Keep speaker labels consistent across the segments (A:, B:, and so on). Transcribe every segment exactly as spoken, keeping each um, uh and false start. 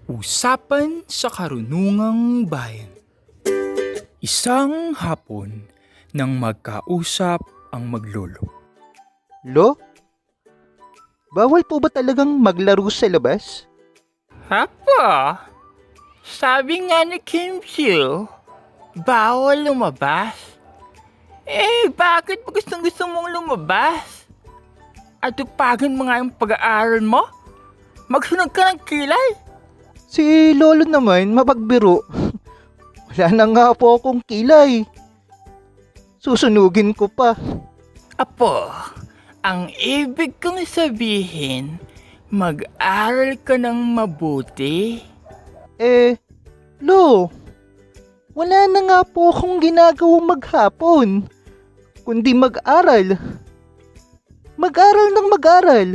A: Usapan sa Karunungang Bayan. Isang hapon nang magkausap ang maglolo.
B: Lo? Bawal po ba talagang maglaro sa labas?
C: Apo, sabi nga ni Kim Chiu, bawal lumabas. Eh, bakit pa gustong gusto mong lumabas? At tupagan mo nga yung pag-aaral mo? Magsunod ka ng kilay.
B: Si Lolo naman mapagbiro. Wala na nga po akong kilay. Susunugin ko pa.
C: Apo, ang ibig kong sabihin, mag-aral ka ng mabuti.
B: Eh, Lo, wala na nga po akong ginagawang maghapon, kundi mag-aral. Mag-aral ng mag-aral.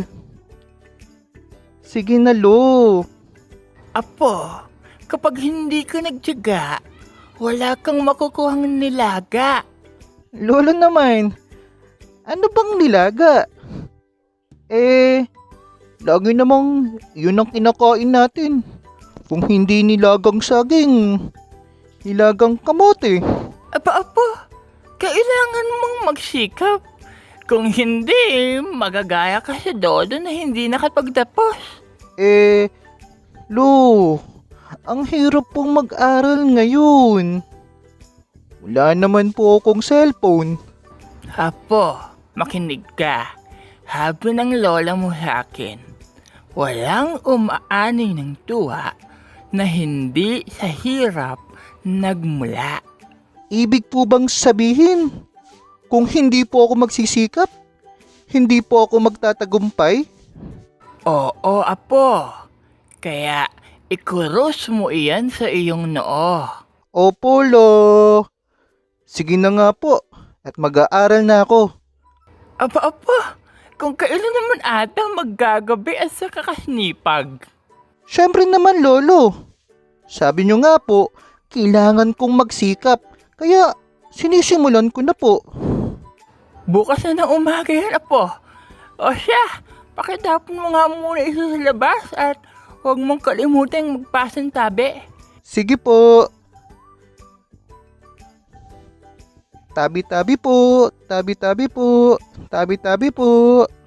B: Sige na, Lo.
C: Apo, kapag hindi ka nagtiyaga, wala kang makukuhang nilaga.
B: Lolo naman, ano bang nilaga? Eh, lagi namang yun ang kinakain natin. Kung hindi nilagang saging, nilagang kamote.
C: Aba, apo, kailangan mong magsikap. Kung hindi, magagaya ka sa dodo na hindi nakapagtapos.
B: Eh, Lo, ang hirap pong mag-aral ngayon. Wala naman po akong cellphone.
C: Apo, makinig ka. Habi ng lola mo sa akin, walang umaani ng tuwa na hindi sa hirap nagmula.
B: Ibig po bang sabihin, kung hindi po ako magsisikap, hindi po ako magtatagumpay?
C: Oo, apo. Kaya ikurus mo iyan sa iyong noo.
B: Opo, Lo. Sige na nga po, at mag-aaral na ako.
C: Aba, apa, kung kailan naman ata maggagabi at sa kakasnipag.
B: Siyempre naman, Lolo. Sabi nyo nga po, kailangan kong magsikap, kaya sinisimulan ko na po.
C: Bukas na ng umaga yan, apo. O siya, pakitapon mo nga muna isa sa labas at huwag mong kalimutang magpasan tabi.
B: Sige po. Tabi-tabi po, tabi-tabi po, tabi-tabi po.